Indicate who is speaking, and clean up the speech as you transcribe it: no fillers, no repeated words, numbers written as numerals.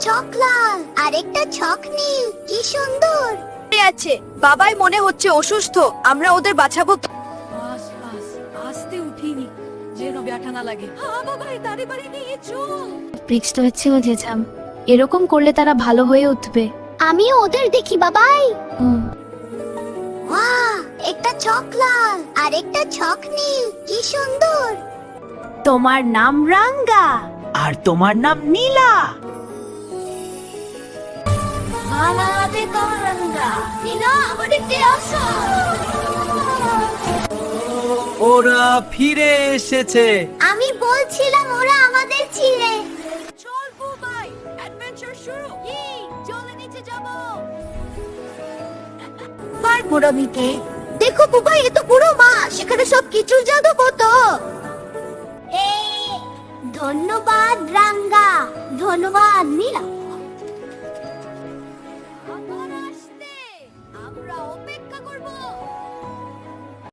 Speaker 1: ছক লাল, আরেকটা ছক নীল, কি সুন্দর।
Speaker 2: আছে বাবাই মনে হচ্ছে অসুস্থ, আমরা ওদের বাঁচাবো।
Speaker 3: বাস বাস, আস্তে উঠিনি যেন ব্যথা না লাগে। হ্যাঁ বাবা, তাড়াতাড়ি নিয়ে চল।
Speaker 4: বৃষ্টি হচ্ছেও যেতাম, এরকম করলে তারা ভালো হয়ে উঠবে।
Speaker 1: আমিও ওদের দেখি বাবাই।
Speaker 4: হুম।
Speaker 1: ওয়াও, একটা ছক লাল, আরেকটা ছক নীল, কি সুন্দর।
Speaker 2: তোমার নাম রাঙ্গা আর তোমার নাম নীলা।
Speaker 1: মালাতে করঙ্গা, নীলা আমাদের আসো।
Speaker 5: ওরা ফিরে এসেছে।
Speaker 1: আমি বলছিলাম ওরা আমাদের ছিলে।
Speaker 2: চল বুবাই, অ্যাডভেঞ্চার শুরু। চলে নিচে যাব।
Speaker 1: পারবো না মিকে। দেখো বুবাই, এ তো পুরো মাছ, সেখানে সব কিছুর জাদু কত। ধন্যবাদ রাঙ্গা, ধন্যবাদ নীলা।